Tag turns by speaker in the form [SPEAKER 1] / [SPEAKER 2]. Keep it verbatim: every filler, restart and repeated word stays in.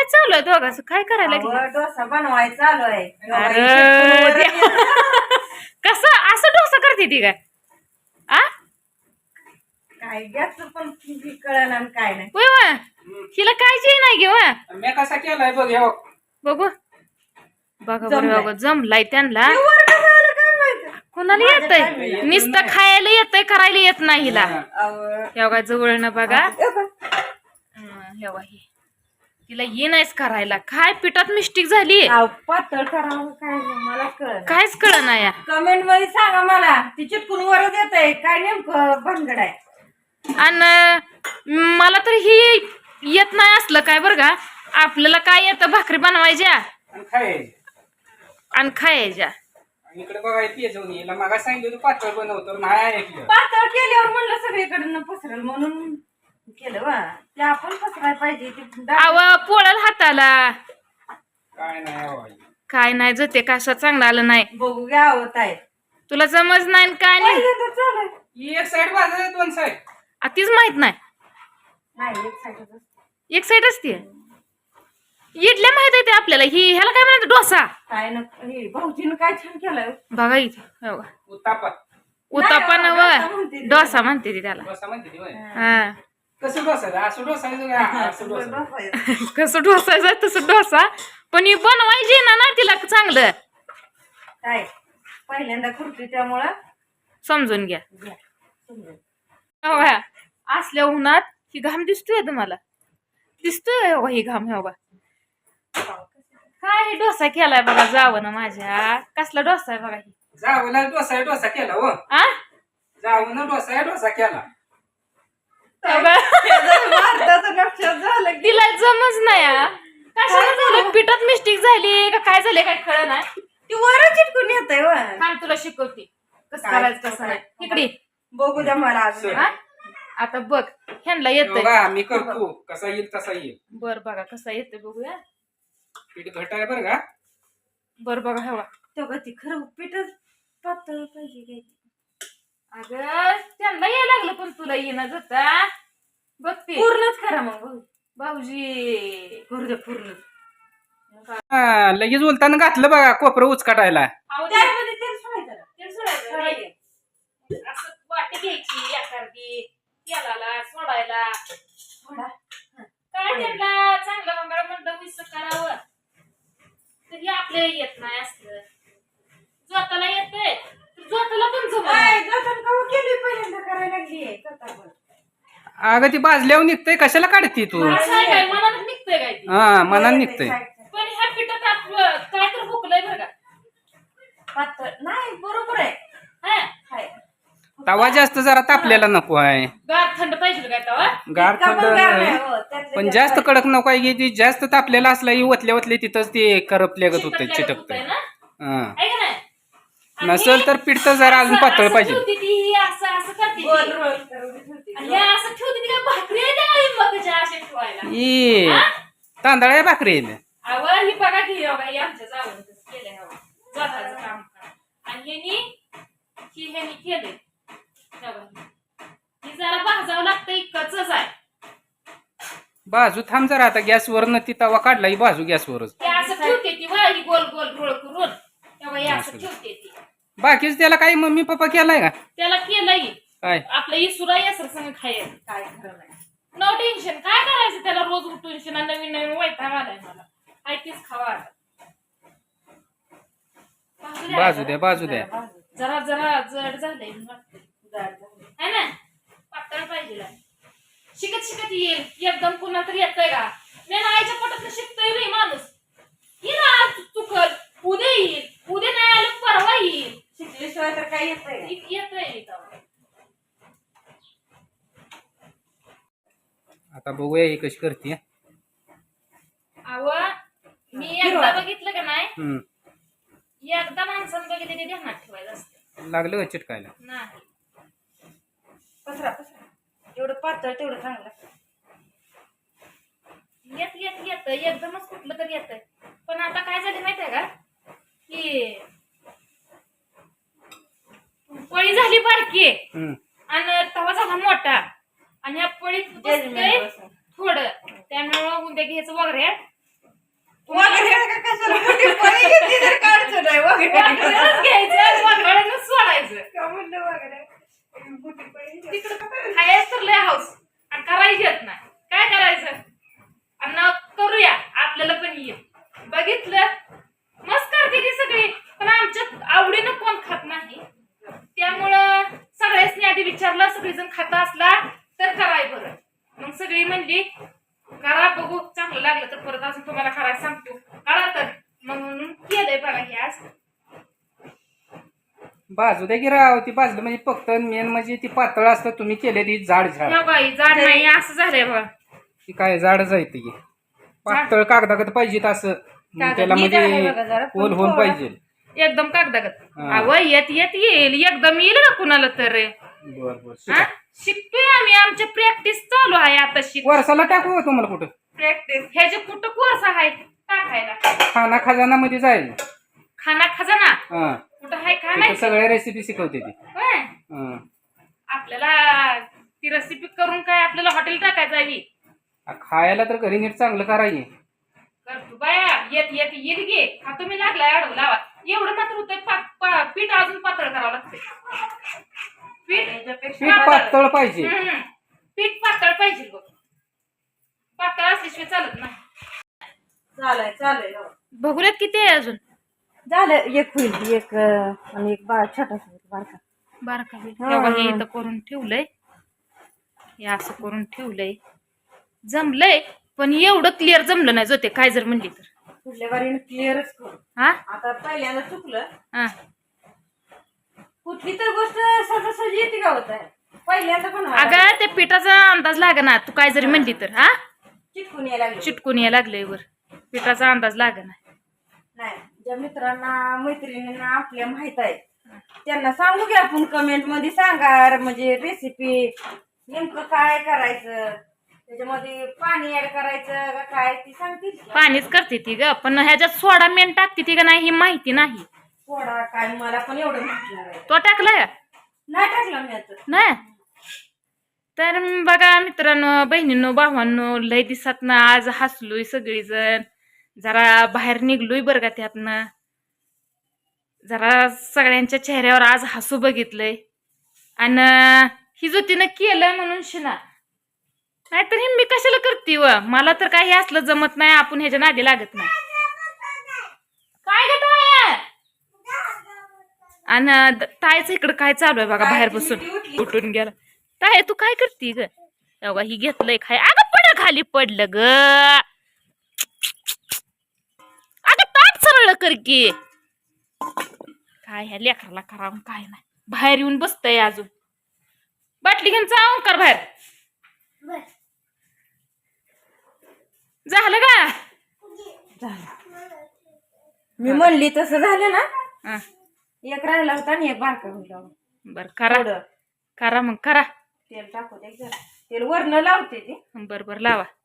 [SPEAKER 1] चालू आहे दोघांचं काय करायला लागलं
[SPEAKER 2] डोसा बनवायचा चालू आहे
[SPEAKER 1] अरे कसं असं डोसा करते ती काय आ
[SPEAKER 2] काय गॅस पण कळलं आणि काय नाही
[SPEAKER 1] होय वा हिला कायची नाही घेऊ
[SPEAKER 3] मी कसा केलाय बघ हे
[SPEAKER 1] बघू बघा बरं बघा जमलाय त्यांना कोणाला येतंय नुसतं खायला येतंय करायला येत नाही हिला हेवा जवळ न बघा हेवा ही तिला ये नाहीच करायला काय पिठात मिस्टेक झाली
[SPEAKER 2] पातळ करावं काय मला कळ
[SPEAKER 1] कायच कळ नाही
[SPEAKER 2] कमेंट मध्ये सांगा मला ती चिटकून वरच येत आहे काय नेमकं भानगड आहे
[SPEAKER 1] आणि मला तर ही येत नाही असलं काय बरं का आपल्याला काय येतं भाकरी बनवायच्या आणि खायच्या
[SPEAKER 3] इकडे बघा जाऊन येईल मग सांगितलं पातळ बनवतो नाही ऐकलं
[SPEAKER 2] पातळ केल्यावर म्हणलं सगळीकडनं पसरल म्हणून केलं वा ते आपण पसरायला पाहिजे
[SPEAKER 1] आव पोळल हाताला
[SPEAKER 3] काय नाही
[SPEAKER 1] काय नाही जते कसं चांगलं आलं नाही
[SPEAKER 2] बघू घ्या आवत आहे
[SPEAKER 1] तुला समज नाही काय नाही
[SPEAKER 3] एक साइड बाजू दोन साइड
[SPEAKER 1] तीच माहित नाही
[SPEAKER 2] नाही एक साईड
[SPEAKER 1] एक साईड असते इडल्या माहित आहे ते आपल्याला ही ह्याला काय म्हणतात डोसा
[SPEAKER 2] काय न हे भाऊजीनं काय छान केलंय
[SPEAKER 1] बघा इथे हो
[SPEAKER 3] उत्तापा
[SPEAKER 1] उत्तापा
[SPEAKER 2] नाही,
[SPEAKER 1] नव
[SPEAKER 2] डोसा म्हणते ती.
[SPEAKER 1] डोसा म्हणते ती त्याला
[SPEAKER 3] डोसा म्हणते ती होय.
[SPEAKER 1] हा
[SPEAKER 3] कसं डोसा असं डोसा असं डोसा
[SPEAKER 1] कसं डोसायचं तसं डोसा पण ही बनवायची ना ना तिला चांगलं
[SPEAKER 2] काय पहिल्यांदा खुर्ची त्यामुळं
[SPEAKER 1] समजून घ्या
[SPEAKER 2] घ्या, समजून.
[SPEAKER 1] हो ह्या. असल्या उन्हात ही घाम दिसतोय तुम्हाला दिसतोय हो ही घाम हो बा काय डोसा केलाय बघा जावं ना माझ्या कसला डोसा आहे बघा ही
[SPEAKER 3] जाऊन डोसा डोसा केला हो
[SPEAKER 1] आ
[SPEAKER 3] जाऊन डोसा डोसा केला
[SPEAKER 2] भारताचं लक्षात झालं की
[SPEAKER 1] तिला जमच नाही हा. कशाला झालं पिठात मिस्टेक झाली का काय झाले काय कळ नाही
[SPEAKER 2] ती वर चिटकून येत आहे वा
[SPEAKER 1] थांब तुला शिकवते कसं
[SPEAKER 2] काय?
[SPEAKER 1] करायचं कसं नाही इकडे
[SPEAKER 2] बघू द्या मला अजून
[SPEAKER 1] हा? आता बघ ह्यांना येतंय
[SPEAKER 3] बघा मी करतो कसा येईल तसा येईल
[SPEAKER 1] बर बघा कसा येतोय बघूया
[SPEAKER 3] पीठ घट आहे बरं का
[SPEAKER 1] बर बघा हवा
[SPEAKER 2] तेव्हा ती खरं पिठच पातळ पाहिजे काय
[SPEAKER 1] अगं त्यांना यायला लागलं पण तुला येणं जाता बघते
[SPEAKER 2] पूर्णच करा मग भाऊ.
[SPEAKER 1] भाऊजी
[SPEAKER 2] करू द्या पूर्ण
[SPEAKER 3] हा, लगेच उलताना घातलं बघा कोपरं उचकाटायला
[SPEAKER 1] अहो, ते-
[SPEAKER 2] त्यामध्ये तेल सोडायचं ना.
[SPEAKER 1] ते सोडायचं
[SPEAKER 2] सोडायचं.
[SPEAKER 1] नाही. असं वाटी घ्यायची एखादी तेलाला सोडायला
[SPEAKER 2] थोडा.
[SPEAKER 1] काय त्यांना चांगलं मंगळ म्हणलं विस करावं तरी आपल्याला येत नाही असलं जोताला येतंय तर जोताला पण जमत
[SPEAKER 2] काय, जाताना कवा केली पहिल्यांदा करायला लागलीये, जाता पण.
[SPEAKER 3] अगं ती बाजल्यावर निघतंय कशाला काढती तू
[SPEAKER 1] असं आहे काय मनात निघतंय काय ते.
[SPEAKER 3] हा मनात निघतंय
[SPEAKER 1] पण ह्या पिठात आपलं काय तर हुकलंय बरं का
[SPEAKER 2] पातळ नाही बरोबर आहे
[SPEAKER 1] हा
[SPEAKER 2] हाय.
[SPEAKER 3] तवा जास्त जरा तापलेला नको आहे
[SPEAKER 1] गार थंड पाहिजे काय तवा
[SPEAKER 3] गार
[SPEAKER 2] इतका
[SPEAKER 3] थंड
[SPEAKER 2] पण गार नाही,
[SPEAKER 3] नाही.
[SPEAKER 2] हो. त्यातल्या
[SPEAKER 3] पण
[SPEAKER 2] त्यात
[SPEAKER 3] जास्त
[SPEAKER 2] पाहिजे.
[SPEAKER 3] कडक नको आहे की ती जास्त तापलेला असला की ओतल्या ओतले तिथंच ते करपल्यागत होत
[SPEAKER 1] चिकटल्यागत
[SPEAKER 3] चिटकतंय
[SPEAKER 1] होतंय ना
[SPEAKER 3] हा
[SPEAKER 1] आहे का नाही आणि
[SPEAKER 3] नसेल तर पीठ तर जरा अजून
[SPEAKER 1] असं-
[SPEAKER 3] पातळ
[SPEAKER 1] असं
[SPEAKER 3] पाहिजे
[SPEAKER 1] ठेवते ती ही असं असं करते
[SPEAKER 2] गोल
[SPEAKER 1] ती.
[SPEAKER 2] रोल करून ठेवते.
[SPEAKER 1] आणि हे असं ठेवते ती काय भाकरी आहे त्या लिंबाच्या अशा ठेवायला
[SPEAKER 3] ई
[SPEAKER 1] हा?
[SPEAKER 3] तांदळा भाकरी आहे.
[SPEAKER 1] अव ही बघा की हो बाई आमच्या जावं केलंय हवं स्वतःचं काम आणि ह्यानी ही ह्यानी केलंय हे बघा. ही जरा भाजावं लागतं इतकंच आहे
[SPEAKER 3] बाजू थांब जरा आता गॅसवरनं ती तवा काढला ही बाजू गॅसवरच
[SPEAKER 1] ते असं ठेवते ती वर ही गोल गोल रोळ करून तेव्हा हे असं ठेवते ती
[SPEAKER 3] बाकीच त्याला काही मम्मी पप्पा केलाय का
[SPEAKER 1] त्याला केलंय
[SPEAKER 3] काय
[SPEAKER 1] आपलं इसुरा यसर संग खायचं
[SPEAKER 2] काय खरं नाही.
[SPEAKER 1] नो टेन्शन काय करायचं त्याला रोज उठून शिना नवीन नवीन वैताग आलाय मला काय तीच खावा आता.
[SPEAKER 3] बाजू द्या बाजू द्या
[SPEAKER 1] जरा जरा जड झालंय वाटतंय.
[SPEAKER 2] जाड झाली.
[SPEAKER 1] है ना पातळ पाहिजे शिकत शिकत येईल एकदम पुन्हा तरी येतोय का मी ना आईच्या पोटात शिकतोय रे माणूस ये ना आज चुकल उद्या येईल उद्या नाही आलं परवा येईल
[SPEAKER 2] शिकल्याशिवाय तर काही येत नाही.
[SPEAKER 1] इ- येतोय इथं.
[SPEAKER 3] आता बघूया ही कशी करते
[SPEAKER 1] अव मी एकदा बघितलं का नाही
[SPEAKER 3] हम्म
[SPEAKER 1] एकदा माणसानं बघितलं ते ध्यानात ठेवायचं असतं
[SPEAKER 3] लागलं का चिटकायला
[SPEAKER 1] नाही
[SPEAKER 2] पसरा पसरा जेवढं पातळ तेवढं चांगलं.
[SPEAKER 1] येत येत येत एकदमच कुठलं तरी येत पण आता काय झालं माहितीये का की पळी झाली बारकी
[SPEAKER 3] हम्म
[SPEAKER 1] आणि तवा झाला मोठा आणि या पळीत बसतंय
[SPEAKER 2] Judgment बसून.
[SPEAKER 1] थोडं त्यामुळं उद्या घ्यायचं वगैरे
[SPEAKER 2] वगैरे का कशाला मोठी पळी घेतली तर काढतो नाही वगैरे
[SPEAKER 1] वाकड्यानंच घ्यायचं वाकड्यानंच सोडायचं
[SPEAKER 2] का म्हणलं वगैरे मोठी पळी घेतली.
[SPEAKER 1] तिकडं खायच तर लय हाऊस आणि करायची येत नाही काय करायचं आणि करूया आपल्याला पण ये बघितलं मस्त करते ती सगळी पण आमच्या आवडीनं कोण खात नाही त्यामुळं सगळ्यासनी आधी विचारलं सगळेजण खात असला तर कराय बरं मग सगळी म्हणली करा बघू चांगलं लागलं तर परत अजून तुम्हाला करायला सांगतो करा तर मग म्हणून केलंय बघा हे आज
[SPEAKER 3] बाजू द्या की राव ती बाजलं म्हणजे फक्त मेन म्हणजे ती पातळ असतं तुम्ही केले ती झाड झाड
[SPEAKER 1] ह्या बाई जाड नाही असं झालंय बघा
[SPEAKER 3] ती काय झाडच आहे ती पातळ कागदागत पाहिजे असं
[SPEAKER 2] कागद
[SPEAKER 3] त्याला
[SPEAKER 2] नीट आहे
[SPEAKER 3] म्हणजे
[SPEAKER 2] बघा जरा,
[SPEAKER 3] होल होल
[SPEAKER 2] थोडा.
[SPEAKER 3] पाहिजे
[SPEAKER 1] एकदम कागदागत
[SPEAKER 3] हा.
[SPEAKER 1] अव येत येत येईल एकदम येईल ना कुणाला तर रे
[SPEAKER 3] बर बर
[SPEAKER 1] हा? शिकतोय आम्ही आमच्या प्रॅक्टिस चालू आहे आता शिक
[SPEAKER 3] वर्षाला टाकू का तुम्हाला कुठं
[SPEAKER 1] प्रॅक्टिस ह्याचे कुठं कोर्स आहे टाकायला
[SPEAKER 3] खाना खजाना मध्ये जाईल
[SPEAKER 1] खाना खजाना
[SPEAKER 3] हा
[SPEAKER 1] कुठं आहे का
[SPEAKER 3] तिथं
[SPEAKER 1] नाही
[SPEAKER 3] सगळ्या रेसिपी शिकवते ती
[SPEAKER 1] होय?
[SPEAKER 3] हा.
[SPEAKER 1] आपल्याला ती रेसिपी करून काय आपल्याला हॉटेल टाकायचं आहे
[SPEAKER 3] आ, खायला तर घरी नीट चांगलं करायचे
[SPEAKER 1] करतो बाया येत येत येत घे हा तुम्ही लागलाय अडव लावा एवढं मात्र होतंय पा- पा- पीठ अजून पातळ करावं लागतंय पीठ
[SPEAKER 2] याच्यापेक्षा
[SPEAKER 3] पीठ पातळ पाहिजे
[SPEAKER 1] हम्म. पीठ पातळ पाहिजे बघ पातळ असल्याशिवाय चालत नाही
[SPEAKER 2] चालेल चालेल हो.
[SPEAKER 1] बघूयात किती आहे अजून
[SPEAKER 2] झालं एक होईल एक अं, आणि एक बा छोटासा एक बारका
[SPEAKER 1] बारका होईल.
[SPEAKER 2] हा.
[SPEAKER 1] तेव्हा हे इथं करून ठेवलंय हे असं करून ठेवलंय जमलंय पण एवढं क्लिअर जमलं नाही जोते काय जर म्हणली तर
[SPEAKER 2] पुढल्या बारीने क्लिअरच करू
[SPEAKER 1] हा
[SPEAKER 2] आता पहिल्यांदा चुकलं
[SPEAKER 1] हा
[SPEAKER 2] कुठली तर गोष्ट सहजासहजी येते का होत आहे पहिल्यांदा पण व्हायला
[SPEAKER 1] अगं त्या पिठाचा अंदाज लाग ना तू काय जरी म्हणली तर हा
[SPEAKER 2] चिटकून यायला लागली.
[SPEAKER 1] चिटकून या लागलंय वर पिठाचा अंदाज लाग ना
[SPEAKER 2] नाही ज्या मित्रांना मैत्रिणींना आपल्या माहित आहे त्यांना सांगू की आपण कमेंट मध्ये सांगा म्हणजे रेसिपी नेमकं काय करायचं त्याच्यामध्ये पाणी ऍड करायचं का काय ती सांगतील की.
[SPEAKER 1] पाणीच करते ती ग पण ह्याच्यात सोडा मेन टाकते ती का नाही ही माहिती नाही
[SPEAKER 2] सोडा काय मला पण एवढं माहिती नाही
[SPEAKER 1] तो टाकलाय
[SPEAKER 2] नाही टाकलं मी आता
[SPEAKER 1] नाही तर बघा मित्रांनो बहिणींनो भावांनो लय दिसात ना आज हसलोय सगळीजण जरा बाहेर निघलोय बरं का त्यातनं जरा सगळ्यांच्या चेहऱ्यावर आज हसू बघितलंय आणि ही जो तिनं केलं म्हणून शिना नाहीतर हे मी कशाला करते व मला तर काही असलं जमत नाही आपण ह्याच्या नादी लागत नाही काय ग ताया आणि तायचं इकडं काय चालू आहे बघा बाहेर बसून उठून गेला ताय तू काय करते ग एवढा ही घेतलंय खाय अगं पड खाली पडलं ग अगं ताट सरळ कर की काय ह्या लेकराला करावं काय नाही बाहेर येऊन बसतय अजून बाटली घेऊन जाऊ कर बाहेर झालं का
[SPEAKER 2] मी म्हणली तसं झालं ना
[SPEAKER 1] हा,
[SPEAKER 2] एक राहिला होता आणि एक बारका होईल
[SPEAKER 1] बर करा
[SPEAKER 2] थोडं
[SPEAKER 1] करा मग करा
[SPEAKER 2] तेल टाकू दे जरा तेल वरनं लावते ते
[SPEAKER 1] बर बर लावा